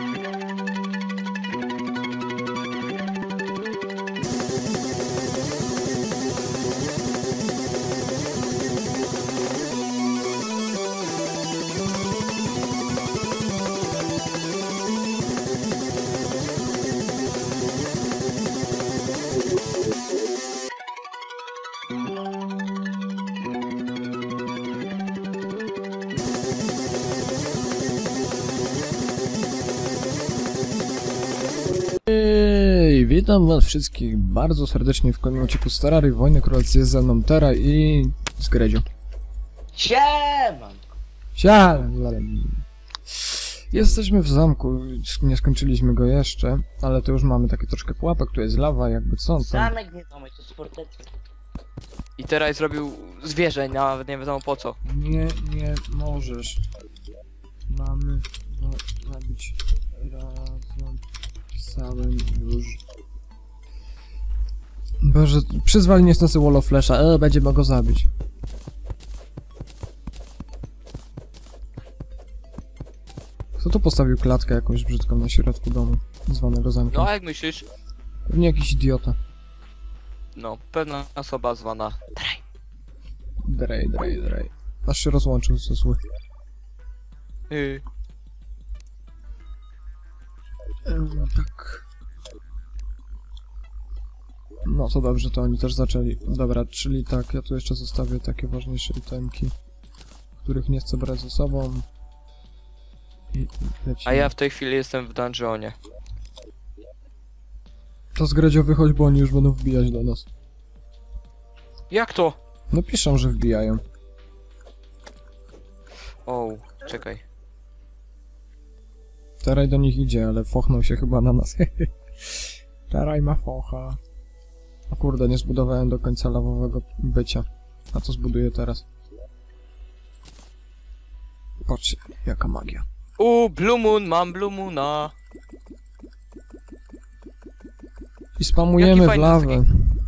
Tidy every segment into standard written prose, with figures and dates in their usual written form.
Witam was wszystkich bardzo serdecznie w kolejnym odcinku Terrarii Wojny Królewskiej. Jest ze mną Tera i Zgredzio. Siemanko! Jesteśmy w zamku, nie skończyliśmy go jeszcze, ale to już mamy takie troszkę pułapek, tu jest lawa, jakby co tam. Zamek nie zamek, to sportety. I teraz zrobił zwierzę, nawet nie wiadomo po co. Nie możesz. Mamy zabić razem pisałem już. Boże, przyzwali niestety Wall of Flesha, będziemy go zabić. Kto tu postawił klatkę jakąś brzydką na środku domu, zwanego zamkiem? No a jak myślisz? Pewnie jakiś idiota. No, pewna osoba zwana Drej. Aż się rozłączył ze zły. Tak. No to dobrze, to oni też zaczęli. Dobra, czyli tak, ja tu jeszcze zostawię takie ważniejsze itemki, których nie chcę brać ze sobą. I lecimy. A ja w tej chwili jestem w dungeonie. To Zgredzio wychodź, bo oni już będą wbijać do nas. Jak to? No piszą, że wbijają. O, czekaj. Teraj do nich idzie, ale fochnął się chyba na nas. Teraj ma focha. O kurde, nie zbudowałem do końca lawowego bycia. A co zbuduję teraz? Patrzcie, jaka magia. Blue Moon, mam Blue Moona. I spamujemy w fajny lawę.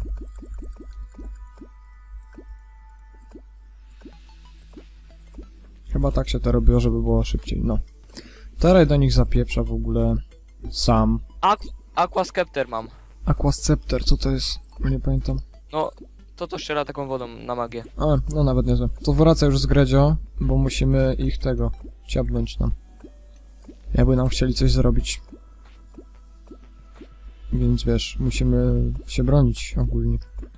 Chyba tak się to robiło, żeby było szybciej, no. Teraj do nich zapieprza w ogóle sam. Aquascepter mam. Aquascepter, co to jest? Nie pamiętam. No, to strzela taką wodą na magię. A, no nawet niezłe. To wraca już z Gredzio, bo musimy ich tego ciabnąć nam. Jakby nam chcieli coś zrobić. Więc wiesz, musimy się bronić ogólnie.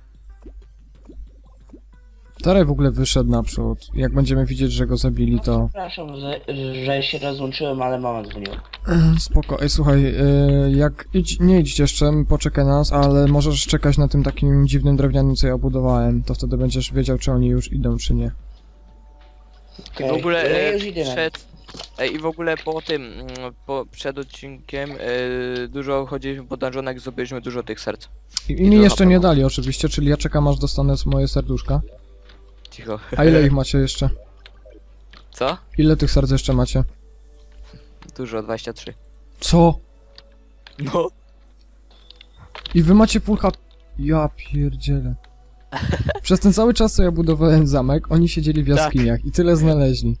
Teraj w ogóle wyszedł naprzód. Jak będziemy widzieć, że go zabili, to... Przepraszam, że się rozłączyłem, ale mama dzwoniła. Spoko. Ej, słuchaj, jak nie idź jeszcze, poczekaj nas, ale możesz czekać na tym takim dziwnym drewnianym, co ja budowałem. To wtedy będziesz wiedział, czy oni już idą, czy nie. Okay. W ogóle ja już idę i w ogóle po tym, przed odcinkiem dużo chodziliśmy po dungeonach i zdobyliśmy dużo tych serc. I mi jeszcze nie dali oczywiście, czyli ja czekam, aż dostanę moje serduszka. Cicho. A ile ich macie jeszcze? Co? Ile tych serc jeszcze macie? Dużo, 23. Co? No. I wy macie full HP? Ja pierdzielę. Przez ten cały czas, co ja budowałem zamek, oni siedzieli w jaskiniach i tyle znaleźli.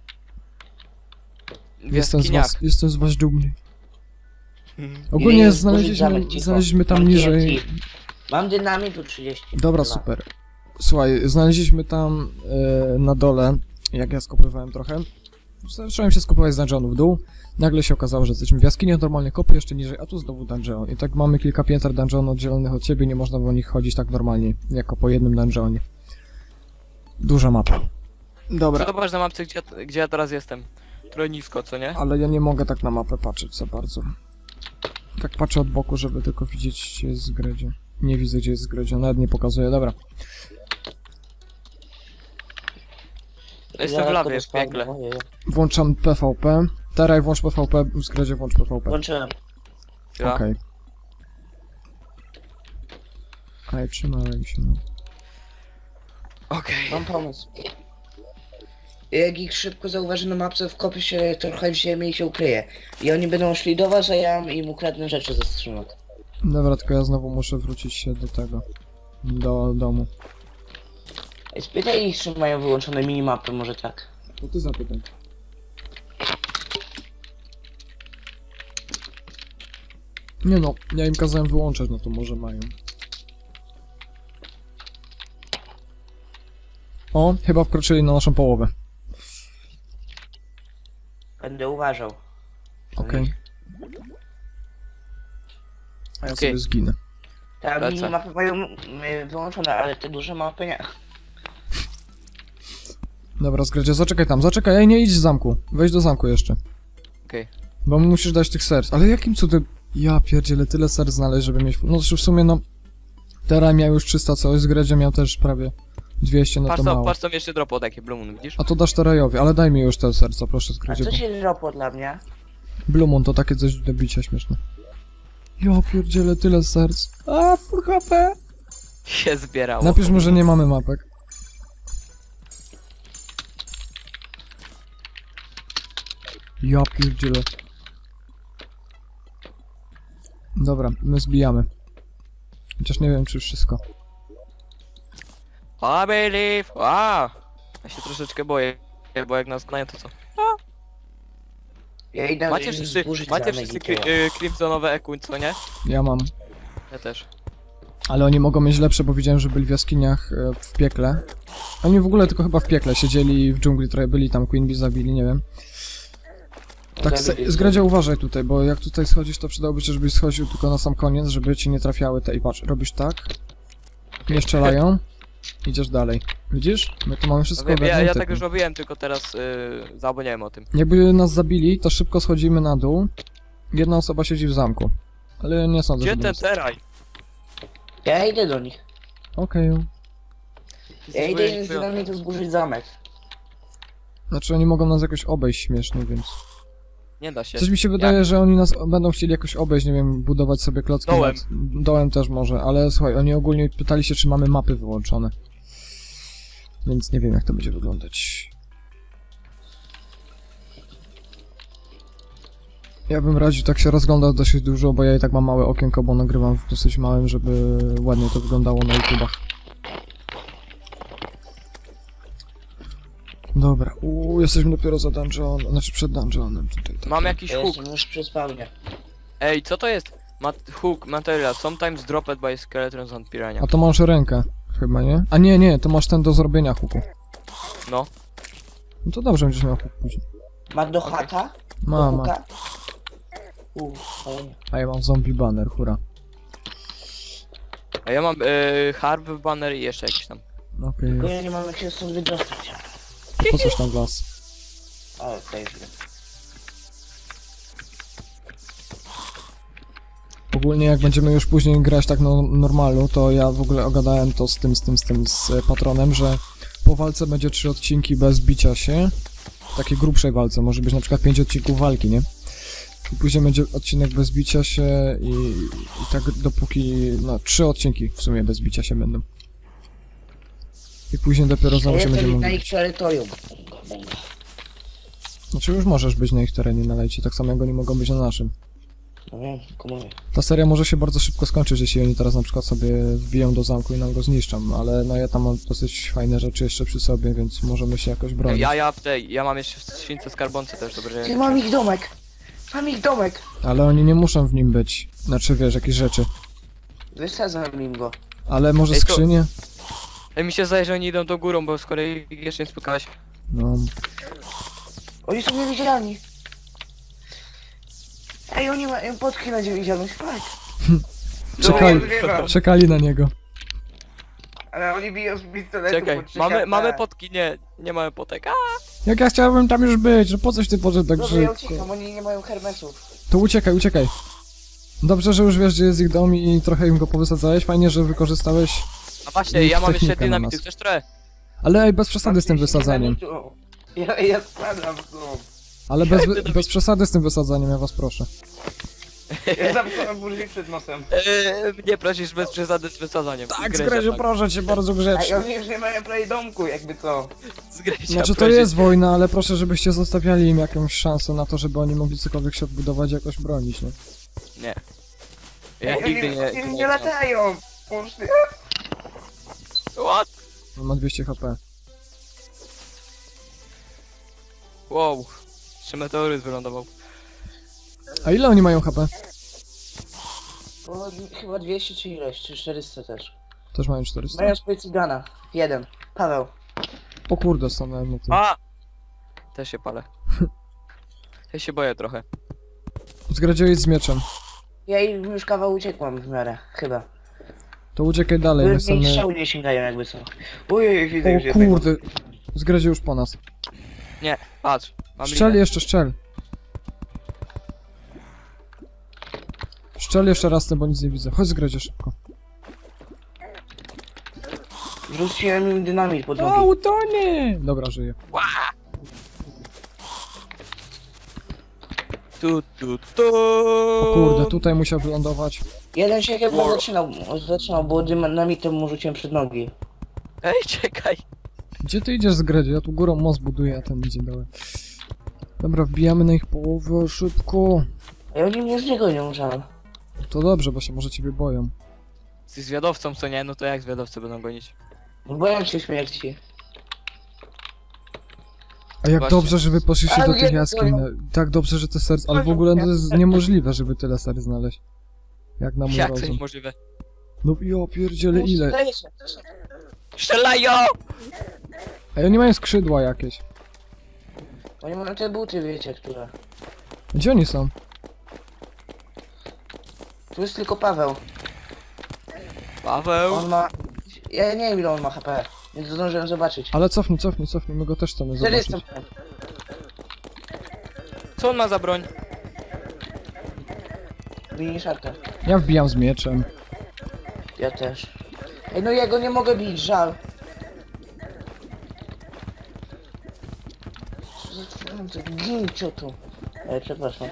Jestem z was dumny. Ogólnie znaleźliśmy tam niżej... Mam dynamitu 30. Dobra, super. Słuchaj, znaleźliśmy tam na dole, jak ja skopywałem trochę. Zacząłem się skopywać z dungeonu w dół. Nagle się okazało, że jesteśmy w jaskini, normalnie kopy jeszcze niżej, a tu znowu dungeon. I tak mamy kilka pięter dungeonu oddzielonych od ciebie, nie można po nich chodzić tak normalnie, jako po jednym dungeonie. Duża mapa. Dobra. Zobacz na mapce, gdzie ja teraz jestem. Trochę nisko, co nie? Ale ja nie mogę tak na mapę patrzeć za bardzo. Tak patrzę od boku, żeby tylko widzieć, gdzie jest Zgredzio. Nie widzę, gdzie jest Zgredzio, nawet nie pokazuję, dobra. Jestem w lawie, w piekle. Włączam PvP. Teraj, włącz PvP, Zgredzio, włącz PvP. Włączyłem. Okej. Ale trzymałem się, no. Okej. Mam pomysł. Jak ich szybko zauważy na mapce, wkopię się trochę w ziemię i się ukryje. I oni będą szli do was, a ja im ukradnę rzeczy ze skrzynek. Dobra, tylko ja znowu muszę wrócić się do tego. Do domu. Spytaj ich, czy mają wyłączone minimapy, może tak. To ty zapytaj. Nie no, ja im kazałem wyłączać, no to może mają. O, chyba wkroczyli na naszą połowę. Będę uważał. Okej. A ja Okej. sobie zginę. Te Lecę. minimapy mają wyłączone, ale te duże mapy nie. Dobra, Zgradzie, zaczekaj, ej, nie idź z zamku. Wejdź do zamku jeszcze. Okej. Bo musisz dać tych serc. Ale jakim cudem... Ja pierdzielę, tyle serc znaleźć, żeby mieć... No w sumie no... Tera miał już 300 coś, Zgradzie miał też prawie 200, no to mało. Patrz co mi jeszcze dropo takie Blue Moon, widzisz? A to dasz Terajowi, ale daj mi już te serca, proszę, A Zgradzie. co Bo... się dropło dla mnie? Blue Moon to takie coś do bicia śmieszne. Ja pierdzielę, tyle serc. A, full HP! Się zbierało. Napisz mu, że nie mamy mapek. Ja pierdzielę. Dobra, my zbijamy. Chociaż nie wiem, czy wszystko. I believe! A! Ja się troszeczkę boję, bo jak nas znają to co? Ja idę Macie wszyscy, zburzyć macie zamek wszyscy Ikea. Crimsonowe EQ, co nie? Ja mam. Ja też. Ale oni mogą mieć lepsze, bo widziałem, że byli w jaskiniach w piekle. Oni w ogóle tylko chyba w piekle siedzieli w dżungli, trochę byli tam, Queen Bee zabili, nie wiem. Tak, Zgradzia, uważaj tutaj, bo jak tutaj schodzisz, to przydałoby się, żebyś schodził tylko na sam koniec, żeby ci nie trafiały te... I patrz, robisz tak, nie strzelają, idziesz dalej. Widzisz? My tu mamy wszystko No wiem, ja ogarnięte. tak już robiłem, tylko teraz zapomniałem o tym. Jakby nas zabili, to szybko schodzimy na dół. Jedna osoba siedzi w zamku. Ale nie sądzę, Gdzie żeby ten nas... teraj? Ja idę do nich. Okej. Ja idę z nami tu zburzyć zamek. Znaczy oni mogą nas jakoś obejść śmiesznie, więc... Nie da się. Coś mi się wydaje, że oni nas będą chcieli jakoś obejść, nie wiem, budować sobie klocki. Dołem. Dołem też może, ale słuchaj, oni ogólnie pytali się, czy mamy mapy wyłączone. Więc nie wiem, jak to będzie wyglądać. Ja bym radził tak się rozglądać dosyć dużo, bo ja i tak mam małe okienko, bo nagrywam w dosyć małym, żeby ładnie to wyglądało na YouTubach. Dobra, jesteśmy dopiero za dungeon, znaczy przed dungeonem tutaj. Tak. Mam jakiś Ja hook. jestem już przy spawnie. Ej, co to jest? Hook material, sometimes dropped by skeletons and piranha. A to masz rękę, chyba, nie? A nie, to masz ten do zrobienia hooku. No. No to dobrze, będziesz miał hook później. Masz do haka? Mama. Do hooka? Fajnie. A ja mam zombie banner, hura. A ja mam harp banner i jeszcze jakiś tam. Okej, Tylko ja nie mam jak się stąd wydostać. po coś tam w las. O, to jest źle. Ogólnie jak będziemy już później grać tak no, normalu, to ja w ogóle ogadałem to z patronem, że po walce będzie 3 odcinki bez bicia się. W takiej grubszej walce, może być na przykład 5 odcinków walki, nie? I później będzie odcinek bez bicia się i tak dopóki, no 3 odcinki w sumie bez bicia się będą. I później dopiero znowu się Ja będziemy jestem na mówić. ich terytorium. Znaczy już możesz być na ich terenie na lejcie, tak samo jak oni mogą być na naszym. No wiem, tylko mówię. Ta seria może się bardzo szybko skończyć, jeśli oni teraz na przykład sobie wbiją do zamku i nam go zniszczą, ale no ja tam mam dosyć fajne rzeczy jeszcze przy sobie, więc możemy się jakoś bronić. Ja mam jeszcze śwince skarbonce też, dobrze. Ty, mam ich domek! Mam ich domek! Ale oni nie muszą w nim być. Znaczy wiesz, jakieś rzeczy. Wysadzam im go. Ale może Ej, to- skrzynie? Ej, mi się zdaje, że oni idą do górą, bo skoro ich jeszcze nie spotkałeś. No. Oni są niewidzialni. Ej, oni mają podki na niewidzialność, tak. Czekali, Wygrywam. czekali na niego. Ale oni biją z pistoletu. Czekaj, po 3 mamy HP. potki, nie mamy potek. A! Jak ja chciałbym tam już być, że po coś ty poszedł tak Dobrze, ja szybko? uciekam, oni nie mają hermesów. To uciekaj. Dobrze, że już wiesz, gdzie jest ich dom i trochę im go powysadzałeś. Fajnie, że wykorzystałeś. A właśnie, ja mam jeszcze Technika na dynamity, nas. chcesz trochę? Ale ej, bez przesady z tym wysadzaniem. Ja spadam w dół. Ale bez przesady z tym wysadzaniem, ja was proszę. Ja zamknąłem burzę przed nosem. Nie prosisz bez przesady z wysadzaniem. Tak, Zgryzia, Zgraziu, tak. proszę cię bardzo A grzecznie. oni już nie mają prawie domku, jakby co. Zgryzia, Znaczy to prosi. jest wojna, ale proszę, żebyście zostawiali im jakąś szansę na to, żeby oni mogli cokolwiek się odbudować, jakoś bronić, nie? Nie. Ja Ej, nigdy oni nie latają. Poszli. What? On ma 200 HP. Wow. 3 meteoryt wylądował. A ile oni mają HP? Bo chyba 200 czy ileś, czy 400 też. Też mają 400. Mają swój cygana. Jeden. Paweł. O kurde, stanąłem na tym. A! Też się palę. Ja się boję trochę. Zgradziłeś z mieczem. Ja im już kawał uciekłam w miarę, chyba. To uciekaj dalej, Bo my mnie chcemy... strzały nie sięgają jakby co. Ojej, widzę już O jednego. kurde, zgradził już po nas. Patrz. Mam Szczel linę. jeszcze, szczel. Szczel jeszcze raz, bo nic nie widzę. Chodź zgradzie szybko. Rzuciłem im dynamit pod O, nogi. utonie! Dobra, żyję. Tu. O kurde, tutaj musiał wylądować. Jeden się chyba War. zaczynał, bo dynamitem mu rzuciłem przed nogi. Ej, czekaj. Gdzie ty idziesz zgradzie? Ja tu górą most buduję, a ten idzie dołem. Dobra, wbijamy na ich połowę, szybko. A oni mnie z niego nie żal. To dobrze, bo się może ciebie boją. Jesteś zwiadowcą, co nie? No to jak zwiadowcy będą gonić? Boją się śmierci. A jak Właśnie. dobrze, że wy poszliście Ale do tych nie, jaskiń. no. Tak dobrze, że te serce... Ale w ogóle to jest niemożliwe, żeby tyle ser znaleźć. Jak na mój Jak to rozum. niemożliwe? No ja pierdzielę ile. Zdaje się. Strzelają! A oni mają skrzydła jakieś. Oni mają te buty, wiecie, które. Gdzie oni są? Tu jest tylko Paweł. Paweł! On ma... Ja nie wiem ile on ma HP. Więc zdążyłem zobaczyć. Ale cofnij, cofnij, cofnij, my go też chcemy 400. zobaczyć. Co on ma za broń? Bini szarka. Ja wbijam z mieczem. Ja też. Ej, no ja go nie mogę bić, żal. Gin ciotu. Przepraszam.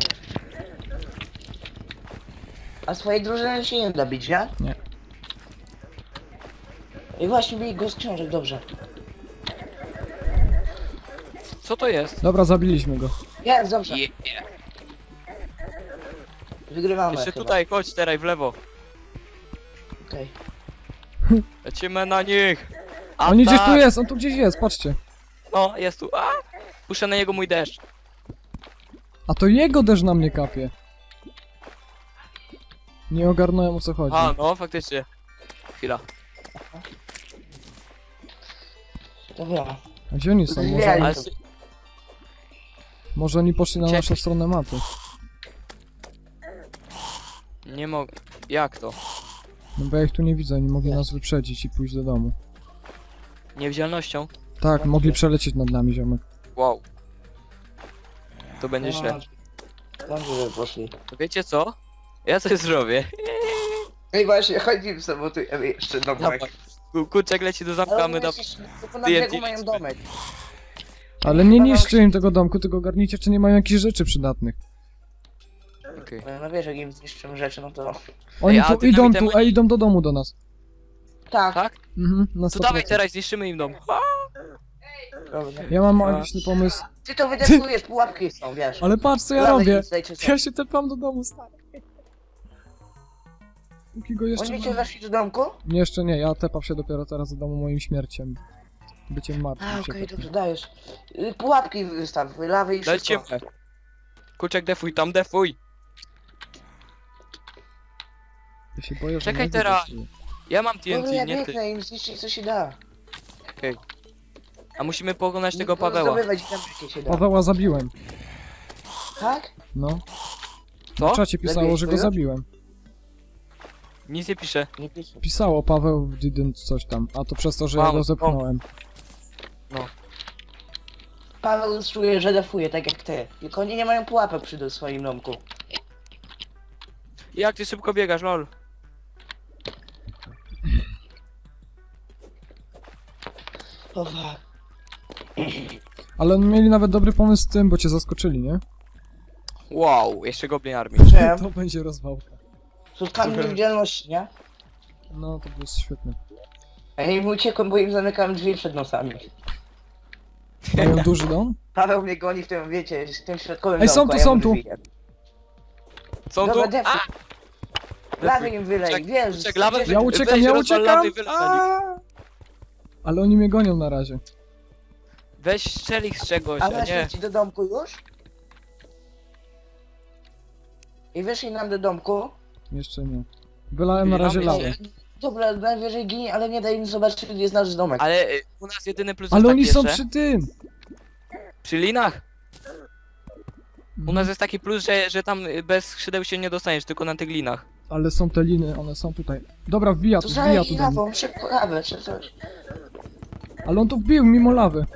A swojej drużyny się nie da bić, nie? Nie. I właśnie bij go z książek, dobrze. Co to jest? Dobra, zabiliśmy go. Jest, dobrze. Yeah. Wygrywamy Jeszcze chyba. tutaj, chodź teraz w lewo. Okej. Lecimy na nich! On gdzieś tu Atak! jest, on tu gdzieś jest, patrzcie. No, jest tu. A! Puszczę na niego mój deszcz. A to jego deszcz na mnie kapie. Nie ogarnąłem o co chodzi. A, no faktycznie. Chwila. Dobra. A gdzie oni są? Zwijali. Może, Ale to- może oni poszli na Czekaj. naszą stronę mapy. nie mogę. Jak to? No bo ja ich tu nie widzę, oni mogli nas wyprzedzić i pójść do domu. Niewidzialnością? Tak, mogli przelecieć nad nami, ziomek. Wow. To będzie źle. Dobrze, że poszli. To wiecie co? Ja coś zrobię. Ej, właśnie, chodźmy sabotujemy jeszcze domek. Kurczak leci do zamka, a my da... Tylko na brzegu TNT mają lecimy. domek. Ale nie niszczy im tego domku, tylko ogarnijcie, czy nie mają jakichś rzeczy przydatnych. Okej. No wiesz, jak im zniszczymy rzeczy, no to... Oni a tu ty idą dynamitem tu, a idą do domu do nas. Tak, Tak? Mhm, na To dawaj 100%. teraz, zniszczymy im dom. dobrze. Ja mam magiczny pomysł. Ty to wydeskujesz, pułapki są, wiesz. Ale patrz co ja Lawy robię. im tutaj czy co. Ja się tepam do domu, stary. Póki go jeszcze Oni nie cię ma. weszli do domku? Nie, jeszcze nie, ja tepam się dopiero teraz do domu moim śmierciem. Byciem martwym A, się okej, tepam. dobrze, dajesz. Pułapki wystaw, lawy i Lecimy. wszystko. Kurczak defuj, tam defuj. Ja się boję, że Czekaj nie teraz. wyjdę. Ja mam Dobra, TNT, ja nie ty. biegnę im zniszczyć co się da. A musimy pokonać tego Tylko Paweła. zdobywać tam jakie się da. Paweła zabiłem. Tak? No. Co? W czacie pisało, Zabiłeś że go swojego? zabiłem. Nic nie pisze. Nie piszę. Pisało Paweł didn't coś tam, a to przez to, że ja Mam, go zepchnąłem. Paweł czuje, że defuje, tak jak ty. Tylko oni nie mają pułapek przy swoim domku. Jak ty szybko biegasz, lol. O fuck. Ale oni mieli nawet dobry pomysł z tym, bo cię zaskoczyli, nie? Wow, jeszcze goblin armii. Czemu? To będzie rozwałka. Spotkamy niewidzialności, nie? No, to było świetne. A ja im uciekłem, bo im zamykałem drzwi przed nosami. Mają duży dom? Paweł mnie goni w tym, wiecie, w tym środkowym Ej, są domku, tu, a ja są mu tu. drzwi jem. Co tu? Dobra, defuj. A! Lawy im wylej, Czek- wiesz. czek, lawę- gdzie- Ja uciekam, Weź, ja rozwal uciekam! lawy i wyleć na nich. Aaa! Ale oni mnie gonią na razie. Weź strzel ich z czegoś, A a nie. weszli ci do domku już? I wyszli nam do domku? Jeszcze nie. Wylałem na razie lawę. Dobra, najwyżej ginie, ale nie daj im zobaczyć, gdzie jest nasz domek. Ale u nas jedyny plus Ale jest oni taki są jeszcze, przy tym! przy linach. U nas jest taki plus, że tam bez skrzydeł się nie dostaniesz, tylko na tych linach. Ale są te liny, one są tutaj. Dobra, wbija To tu do zajmij mnie. lawą, szybko lawę, czy coś. Ale on tu wbił mimo lawy.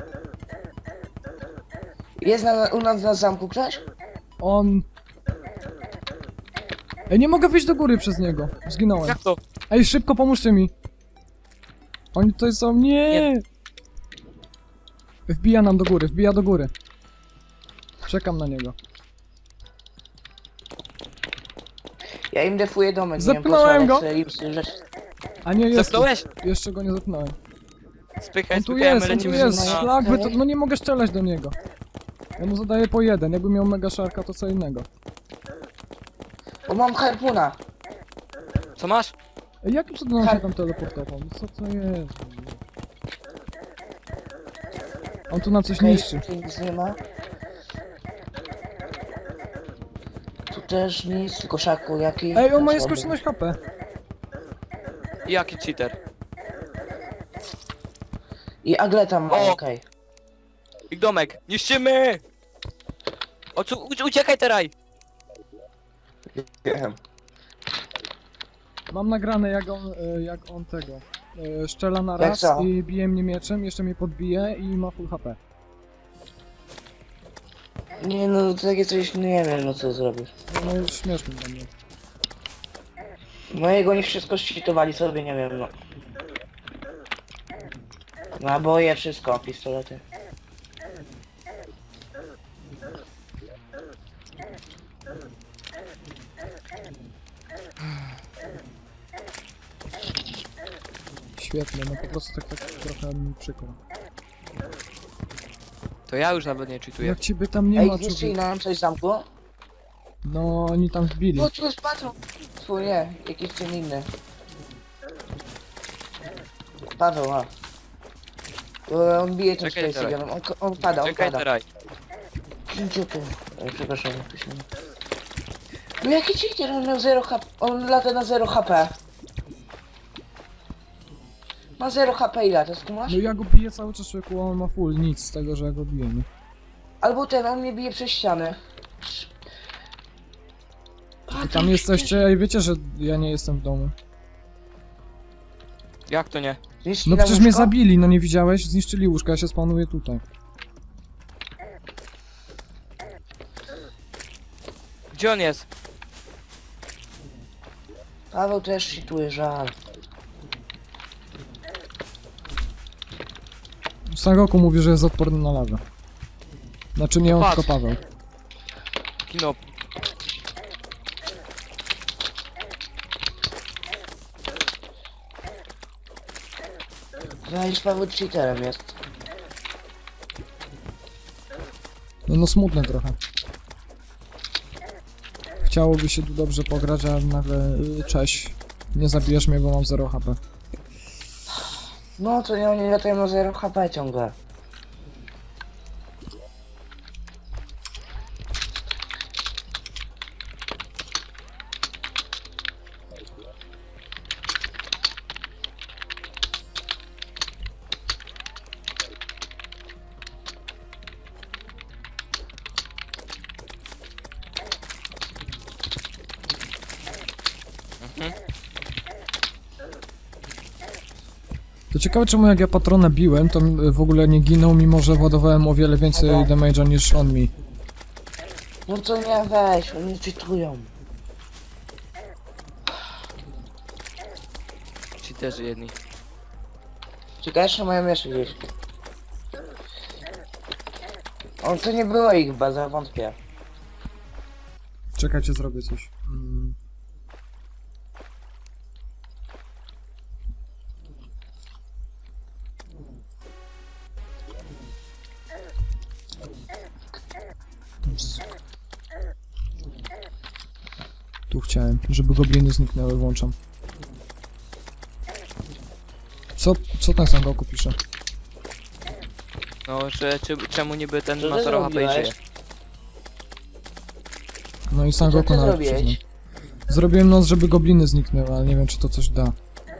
Jest u nas na zamku ktoś? On... Ej, nie mogę wyjść do góry przez niego. Zginąłem. Jak to? Ej, szybko pomóżcie mi. Oni tutaj są... Nie! Wbija nam do góry, wbija do góry. Czekam na niego. Ja im defuję domek, Zepnąłem go. nie wiem po co, ale chcę im rzeczy. A nie, jest tu. Zepnąłeś? Jeszcze go nie zepnąłem. Spychaj, On tu spychaj, jest, my on tu lecimy jest. na... Szlak, no nie mogę strzelać do niego. Ja mu zadaję po jeden. Jakby miał mega szarka, to co innego. O, mam harpuna. Co masz? Ej, jakim cudem on się tam teleportował? No co to jest? On tu nam coś Okej, niszczy. tu nic nie ma. Tu też nic, tylko szaku jaki. Ej, on ma Słaby. skoczność HP. Jaki cheater? I agleta ma, O! okej. Ich domek, niszczymy! Uciekaj teraz! Wiem. Mam nagrane jak on tego. Szczela na Jak raz co? i bije mnie mieczem, jeszcze mnie podbije i ma full HP. Nie no, takie coś nie wiem, no co zrobisz. No śmieszny dla mnie. Mojego nie wszystko ścitowali sobie, nie wiem, no. Naboje, wszystko, pistolety. Świetnie, no po prostu tak trochę mi przykro. To ja już nawet nie cheatuję. Jak ciebie tam nie Ej, ma, zniszczyli człowieku. nam coś w zamku? No oni tam wbili. No tu jest patrol. Tu nie, jakiś czym inny. Paweł, a. On bije tym Czekaj Space teraz. Eaglem, on pada, on Czekaj pada. teraz. Gdzie tu? Ej, przepraszam, jak to się... No jaki cheater, on miał 0 HP, on lata na 0 HP. Ma 0 HP i lata, skumasz? No ja go biję cały czas, człowieku, a on ma full, nic z tego, że ja go biję, nie? Albo ten, on mnie bije przez ścianę. I tam jesteście, ej, wiecie, że ja nie jestem w domu. Jak to nie? Zniszczyli No nam przecież mnie łóżko? zabili, no nie widziałeś? Zniszczyli łóżka, ja się spanuję tutaj. Gdzie on jest? Paweł też cheatuje, żal. Sangoku mówi, że jest odporny na lawę. Znaczy nie on, Patrz. tylko Paweł. Kino. Zalisz Paweł cheaterem jest. No smutne trochę. Chciałoby się tu dobrze pograć, a nagle cześć. Nie zabijesz mnie, bo mam 0 HP. No to nie, oni latają na 0 HP ciągle. To ciekawe czemu jak ja patrona biłem, to w ogóle nie ginął, mimo że władowałem o wiele więcej Dobra. damage'a niż on mi. No to nie weź, oni cheatują. Cheaterzy jedni. Czekaj, jeszcze mają jeszcze gdzieś. On to nie było ich baza, wątpię. Czekajcie, zrobię coś. Tu chciałem, żeby gobliny zniknęły, włączam. Co ten Sangoku pisze? No, że czemu niby ten Co ma ty 0 HP i zrobiłeś? żyje? No i Co Sangoku ty nawet zrobiłeś? przyznał. Zrobiłem noc, żeby gobliny zniknęły, ale nie wiem, czy to coś da.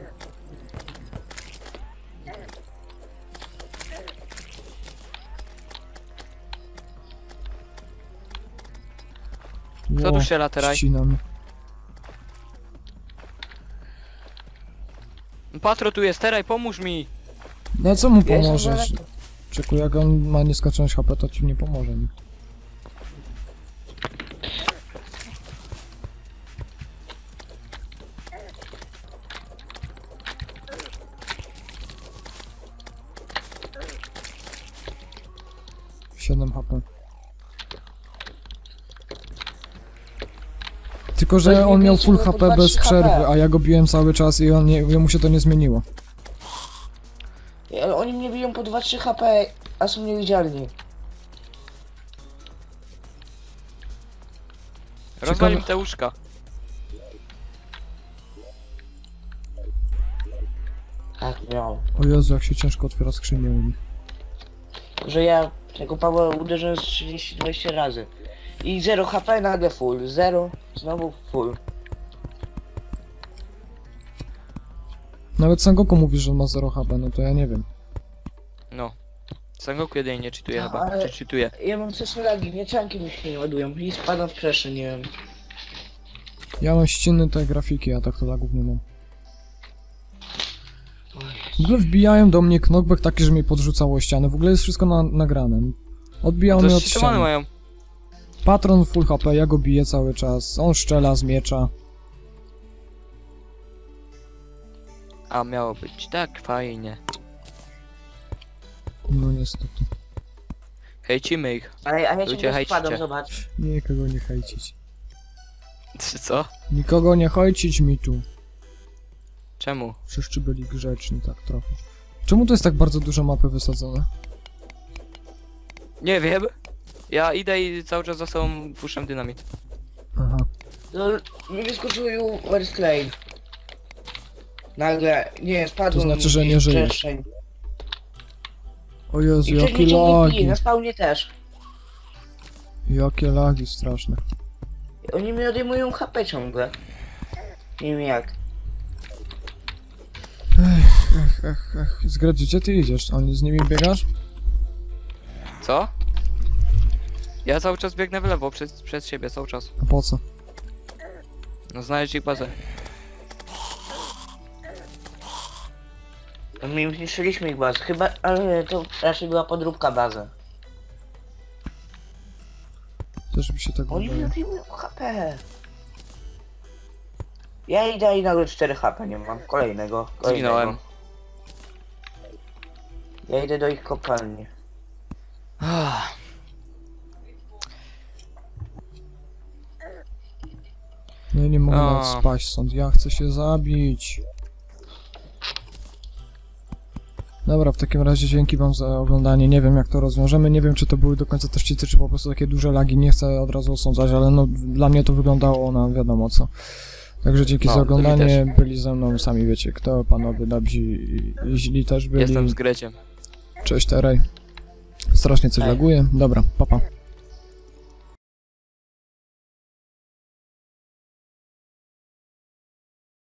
Kto tu strzela teraz? ścinam. Patro tu jest, teraj, pomóż mi! No co mu Ja jestem pomożesz? daleko. Czeku, jak on ma nieskończoność HP, to ci nie pomoże nikt. Siedem HP. Tylko, że Weź on mi miał bijcie, full bo HP po bez 2-3 przerwy, HP. a ja go biłem cały czas i on nie, jemu się to nie zmieniło. Ale oni mnie biją po 2-3 HP, a są niewidzialni. Rozwal im te łóżka. Tak, miał. O Jezu, jak się ciężko otwiera skrzynię u nich. Że ja tego Pawła uderzyłem z 30-20 razy. I 0 HP, nagle full. 0, znowu full. Nawet Sangoku mówi, że on ma 0 HP, no to ja nie wiem. No. Sangoku jedynie nie czytuje No, chyba, ale- czy czytuje? Ja mam coś lagi, mieczanki mi się nie ładują i spadam w przestrzeń, nie wiem. Ja mam ściny tej grafiki, a tak to lagów nie mam. W ogóle wbijają do mnie knockback taki, że mnie podrzucało o ścianę. W ogóle jest wszystko nagrane. Odbijał mnie To od ścitomany ściany. mają. Patron full HP, ja go biję cały czas. On szczela z miecza. A miało być tak fajnie. No niestety. Hejcimy ich. Ale ja Ludzie, ciągle hejcicie. spadam, zobacz. Nikogo nie hejcić. Czy co? Nikogo nie hejcić mi tu. Czemu? Wszyscy byli grzeczni tak trochę. Czemu to jest tak bardzo dużo mapy wysadzone? Nie wiem. Ja idę i cały czas za sobą puszczam dynamit. Aha. No, mi wyskoczył West Lane. Nagle, nie, spadłem. To znaczy, że nie w żyjesz. przestrzeń. O Jezu, I ktoś jakie mnie ciągle bije, lagi. na spawnie też. Jakie lagi straszne. Oni mi odejmują HP ciągle. Nie wiem jak. Ech. Zgradzi, gdzie ty idziesz? On z nimi biegasz? Co? Ja cały czas biegnę w lewo przez siebie, cały czas. A po co? No znaleźć ich bazę. My zniszczyliśmy ich bazę, chyba, ale to raczej była podróbka bazy. Też mi się tak Oni mi wydaje. odejmują HP. Ja idę i nagle 4 HP nie mam. Kolejnego. Zginąłem. Ja idę do ich kopalni. No i nie mogę O. nawet spaść stąd. Ja chcę się zabić. Dobra, w takim razie dzięki wam za oglądanie. Nie wiem jak to rozwiążemy. Nie wiem czy to były do końca też cheaty, czy po prostu takie duże lagi. Nie chcę od razu osądzać, ale no dla mnie to wyglądało na wiadomo co. Także dzięki No, za to mi oglądanie. Byli ze mną, sami wiecie kto. Panowie dobrzy i źli też byli. Jestem z Greciem. Cześć Terej. Strasznie coś Hej. laguje. Dobra, papa.